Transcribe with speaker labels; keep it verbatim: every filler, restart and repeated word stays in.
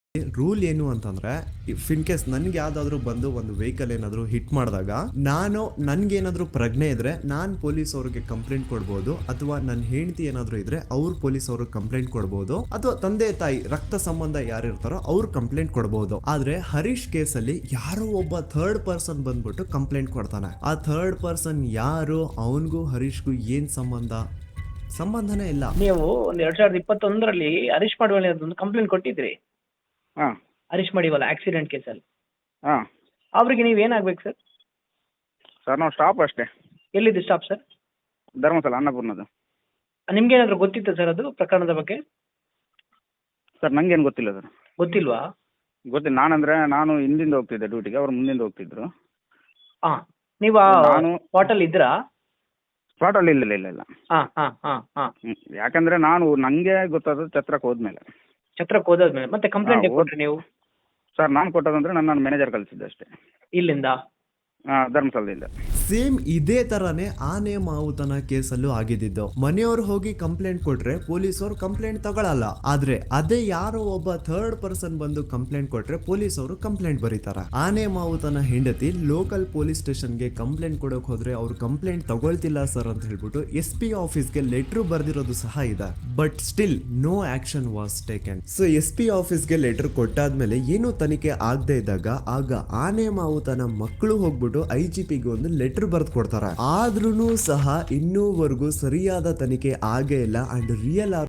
Speaker 1: Rule ಏನು ಅಂತಂದ್ರೆ if in case ನನ್ಗೆ ಯಾವ್ದಾದ್ರು ಬಂದು ಒಂದು ವೆಹಿಕಲ್ ಏನಾದ್ರು ಹಿಟ್ ಮಾಡಿದಾಗ ನಾನು ನನ್ಗೇನಾದ್ರೂ ಪ್ರಜ್ಞೆ ಇದ್ರೆ ನಾನ್ ಪೊಲೀಸ್ ಅವ್ರಿಗೆ ಕಂಪ್ಲೇಂಟ್ ಕೊಡ್ಬೋದು, ಅಥವಾ ನನ್ನ ಹೆಂಡತಿ ಏನಾದ್ರು ಇದ್ರೆ ಅವ್ರು ಪೊಲೀಸ್ ಅವ್ರಿಗೆ ಕಂಪ್ಲೇಂಟ್ ಕೊಡ್ಬೋದು, ಅಥವಾ ತಂದೆ ತಾಯಿ ರಕ್ತ ಸಂಬಂಧ ಯಾರಿರ್ತಾರೋ ಅವ್ರು ಕಂಪ್ಲೇಂಟ್ ಕೊಡ್ಬೋದು. ಆದ್ರೆ ಹರೀಶ್ ಕೇಸಲ್ಲಿ ಯಾರೋ ಒಬ್ಬ ಥರ್ಡ್ ಪರ್ಸನ್ ಬಂದ್ಬಿಟ್ಟು ಕಂಪ್ಲೇಂಟ್ ಕೊಡ್ತಾನೆ. ಆ ಥರ್ಡ್ ಪರ್ಸನ್ ಯಾರು, ಅವನ್ಗೂ ಹರೀಶ್ಗೂ ಏನ್ ಸಂಬಂಧ? ಸಂಬಂಧನೇ ಇಲ್ಲ.
Speaker 2: ನೀವು ಒಂದ್ ಎರಡ್ ಸಾವಿರದ ಇಪ್ಪತ್ತೊಂದರಲ್ಲಿ ಹರೀಶ್ ಮಾಡಿವಲ್ಲಿ ಒಂದು ಕಂಪ್ಲೇಂಟ್ ಕೊಟ್ಟಿದ್ರಿ.
Speaker 3: ಹಾಂ
Speaker 2: ಹರೀಶ್ ಮಾಡಿವಲ್ಲ ಆಕ್ಸಿಡೆಂಟ್ ಕೇಸಲ್ಲಿ.
Speaker 3: ಹಾಂ
Speaker 2: ಅವ್ರಿಗೆ ನೀವು ಏನಾಗ್ಬೇಕು ಸರ್?
Speaker 3: ಸರ್ ನಾವು ಸ್ಟಾಪ್ ಅಷ್ಟೇ,
Speaker 2: ಎಲ್ಲಿದ್ದು ಸ್ಟಾಪ್ ಸರ್?
Speaker 3: ಧರ್ಮಸ್ಥಳ ಅನ್ನಪೂರ್ಣದ್ದು.
Speaker 2: ನಿಮ್ಗೆ ಏನಾದ್ರು ಗೊತ್ತಿತ್ತು ಸರ್ ಅದು ಪ್ರಕರಣದ ಬಗ್ಗೆ?
Speaker 3: ಸರ್ ನಂಗೇನು ಗೊತ್ತಿಲ್ಲ ಸರ್.
Speaker 2: ಗೊತ್ತಿಲ್ವಾ?
Speaker 3: ಗೊತ್ತಿಲ್ಲ. ನಾನಂದ್ರೆ ನಾನು ಹಿಂದಿಂದ ಹೋಗ್ತಿದ್ದೆ ಡ್ಯೂಟಿಗೆ, ಅವ್ರು ಮುಂದಿಂದ ಹೋಗ್ತಿದ್ರು.
Speaker 2: ಹಾ, ನೀವು
Speaker 3: ನಾನು
Speaker 2: ಸ್ಪಾಟಲ್ಲಿ ಇದ್ರಾ?
Speaker 3: ಸ್ಪಾಟಲ್ಲಿ ಇಲ್ಲ ಇಲ್ಲ ಇಲ್ಲ.
Speaker 2: ಹಾ ಹಾ ಹಾ ಹಾ
Speaker 3: ಹ್ಮ್. ಯಾಕಂದ್ರೆ ನಾನು ನನಗೆ ಗೊತ್ತಾದದ್ದು ಛತ್ರಕ್ಕೆ ಹೋದ್ಮೇಲೆ.
Speaker 2: ಛತ್ರಕ್ಕೆ ಹೋದಾದ್ಮೇಲೆ ಮತ್ತೆ ಕಂಪ್ಲೇಂಟ್
Speaker 3: ಹಾ,
Speaker 2: ಕೊಟ್ರಿ ನೀವು?
Speaker 3: ಸರ್ ನಾನು ಕೊಟ್ಟದಂದ್ರೆ ನನ್ನ ನನ್ನ ಮ್ಯಾನೇಜರ್ ಕಳಿಸಿದ್ದೆ ಅಷ್ಟೇ,
Speaker 2: ಇಲ್ಲಿಂದ
Speaker 3: ಧರ್ಮಸ್ಥಳದಿಂದ.
Speaker 1: ಸೇಮ್ ಇದೇ ತರಾನೇ ಆನೆ ಮಾವುತನ ಕೇಸಲ್ಲೂ ಆಗಿದ್ದು. ಮನೆಯವ್ರು ಹೋಗಿ ಕಂಪ್ಲೇಂಟ್ ಕೊಟ್ರೆ ಪೊಲೀಸರು ಕಂಪ್ಲೇಂಟ್ ತಗೊಳಲ್ಲ. ಆದ್ರೆ ಅದೇ ಯಾರೋ ಒಬ್ಬ ಥರ್ಡ್ ಪರ್ಸನ್ ಬಂದು ಕಂಪ್ಲೇಂಟ್ ಕೊಟ್ರೆ ಪೊಲೀಸರು ಕಂಪ್ಲೇಂಟ್ ಬರೀತಾರ. ಆನೆ ಮಾವುತನ ಹೆಂಡತಿ ಲೋಕಲ್ ಪೊಲೀಸ್ ಸ್ಟೇಷನ್ಗೆ ಕಂಪ್ಲೇಂಟ್ ಕೊಡಕ್ ಹೋದ್ರೆ ಅವ್ರು ಕಂಪ್ಲೇಂಟ್ ತಗೊಳ್ತಿಲ್ಲ ಸರ್ ಅಂತ ಹೇಳ್ಬಿಟ್ಟು ಎಸ್ ಪಿ ಆಫೀಸ್ಗೆ ಲೆಟರ್ ಬರ್ದಿರೋದು ಸಹ ಇದೆ. But still no action was taken. So S P ಆಫೀಸ್ಗೆ ಲೆಟರ್ ಕೊಟ್ಟಾದ್ಮೇಲೆ ಏನು ತನಿಖೆ ಆಗದೆ ಇದ್ದಾಗ ಆಗ ಆನೆ ಮಾವುತನ ಮಕ್ಕಳು ಹೋಗ್ಬಿಟ್ಟು ಐ ಜಿ ಪಿಗೆ ಒಂದು ಲೆಟರ್ ಬರ್ದು ಕೊಡ್ತಾರೆ. ಆದ್ರೂ ಸಹ ಇನ್ನೂವರೆಗೂ ಸರಿಯಾದ ತನಿಖೆ ಆಗೇ ಇಲ್ಲ. And real